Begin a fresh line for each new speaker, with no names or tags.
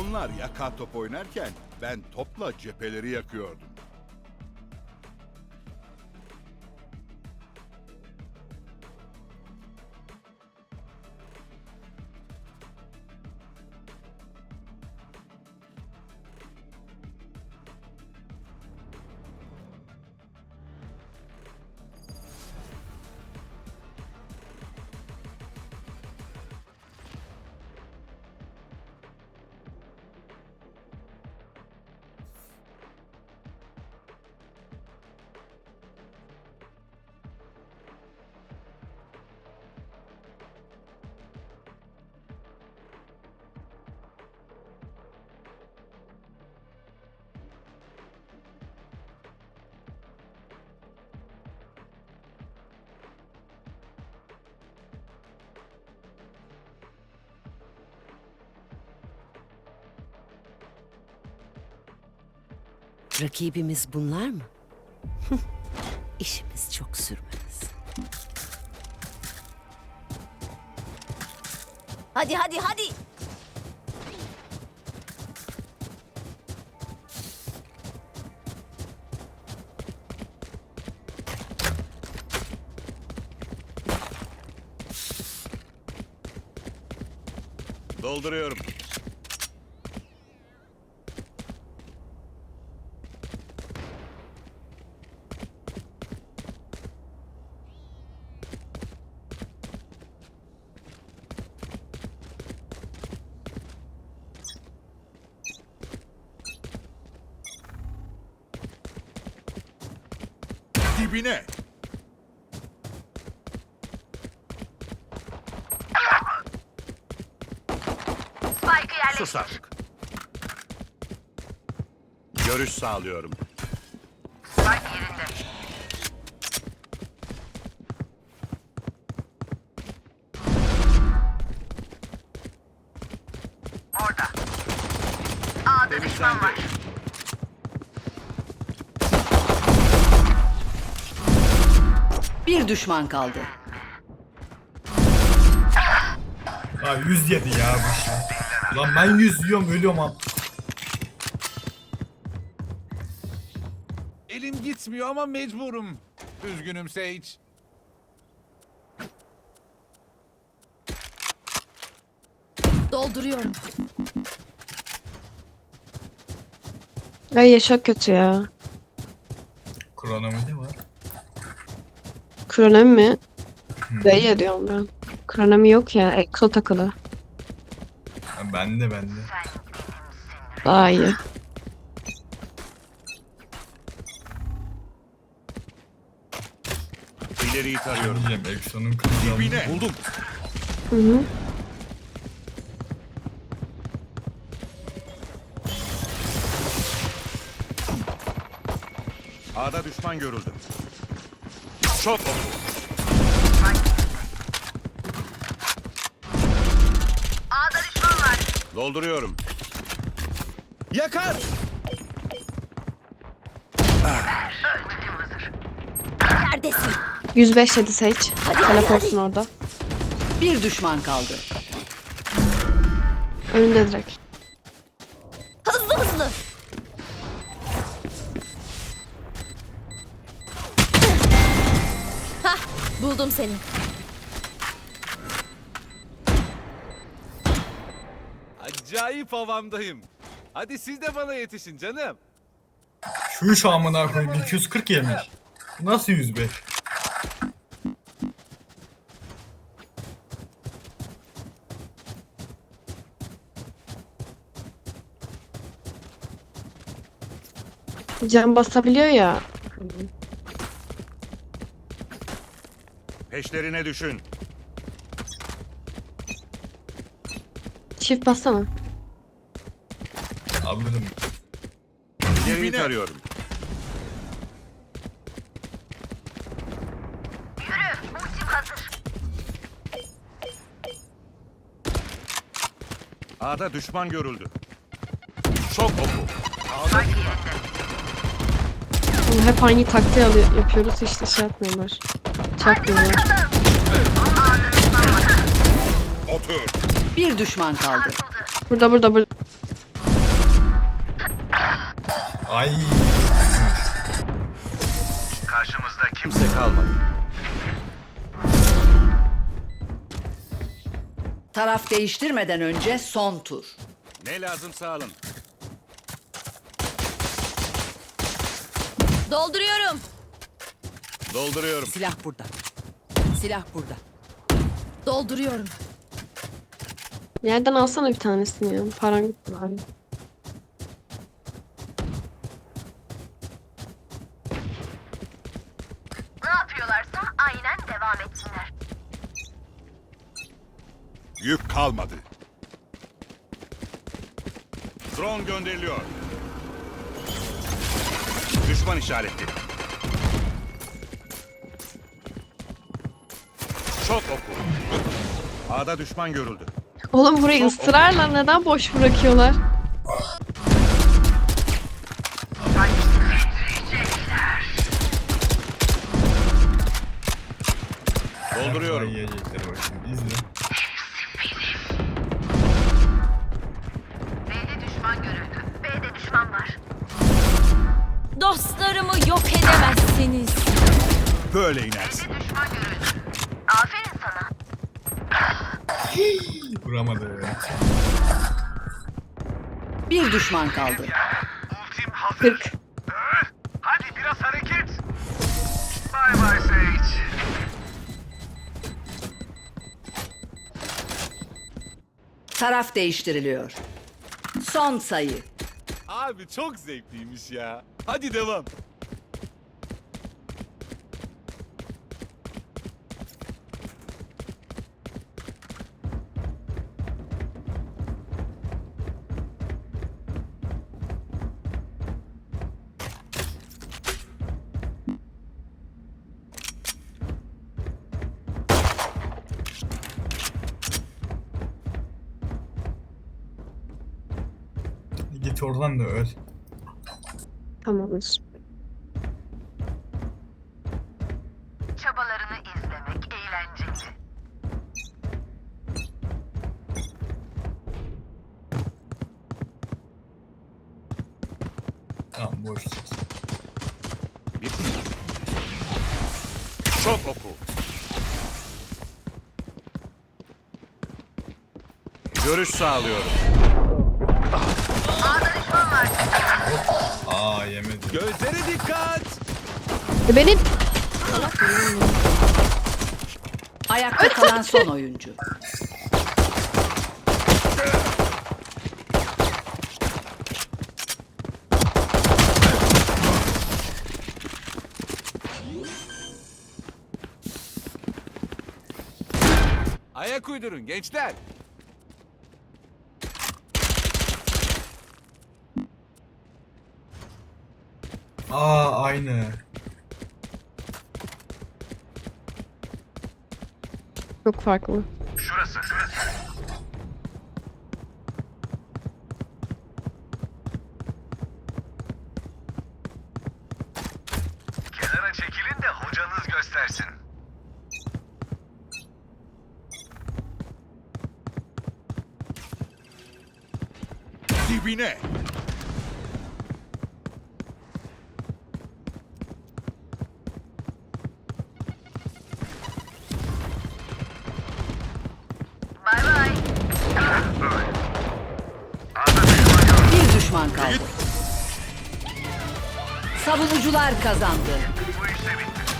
Onlar yaka top oynarken ben topla cepheleri yakıyordum.
Rakibimiz bunlar mı? İşimiz çok sürmez.
Hadi hadi hadi.
Dolduruyorum. Dibine. Sus artık. Görüş sağlıyorum. Temizlendi.
Bir düşman kaldı.
Ha 107 ya bu şey. Lan ben 100 yiyorum ölüyorum abi.
Elim gitmiyor ama mecburum. Üzgünüm Sage.
Dolduruyorum.
Ay ya çok kötü ya.
Kronomi var.
Kronomi mi? B'ye diyorum ben. Kronomi yok ya. Exo takılı.
Ha, bende.
Daha iyi.
İleriyi tarıyorum.
Diyeceğim Exo'nun kılıcı
Dibine. Buldum.
Hı hı.
A'da düşman görüldü. Çok oku.
A'da düşman var.
Dolduruyorum. Yakar.
105 yedi Sage. Teleportsun orada.
Bir düşman kaldı.
Önünde direkt.
Hızlı hızlı. Hah, buldum seni.
Acayip havamdayım. Hadi siz de bana yetişin canım.
Şu amına koyayım 240 yemiş. Nasıl 105?
Can basabiliyor ya.
Peşlerine düşün.
Çift bassana.
Alırım.
İleriyi tarıyorum. A'da düşman görüldü. Çok oku.
Oğlum hep aynı taktiği yapıyoruz işte şey yapmıyorlar. Çakmıyorlar.
Otur.
Bir düşman kaldı.
Burada.
Ay.
Karşımızda
Kimse kalmadı.
Taraf değiştirmeden önce son tur.
Ne lazımsa alın.
Dolduruyorum.
Dolduruyorum.
Silah burada. Silah burada.
Dolduruyorum.
Yerden alsana bir tanesini ya. Paran gitti bari.
Ne yapıyorlarsa aynen devam etsinler.
yük kalmadı. Drone gönderiliyor. Düşman işaretli. Şok oku. A'da düşman görüldü.
Oğlum burayı ısrarla neden boş bırakıyorlar?
Dolduruyorum.
Ay, yiyecekler bak şimdi. İzle.
B'de düşman görüldü. B'de düşman var. Dostlarımı yok edemezsiniz.
Böyle inersin.
Düşman görüldü. Aferin sana.
Vuramadı.
Bir düşman kaldı.
40.
Hadi biraz hareket. Bay bay Sage.
Taraf değiştiriliyor. Son sayı.
Abi çok zevkliymiş ya. Hadi devam.
Git oradan da öl.
Tamamdır.
Çabalarını izlemek eğlenceli.
Tamam boş.
Bir... Şok oku. Görüş sağlıyorum.
Aa yemedi.
Gözlere dikkat.
Benim
Ayakta kalan son oyuncu.
Ayak uydurun gençler.
Aa aynı.
çok farklı.
Şurası. Kenara çekilin de hocanız göstersin. Dibine.
Bay bay.
Bir düşman kaldı. Savunucular kazandı.
Bu işte bitti.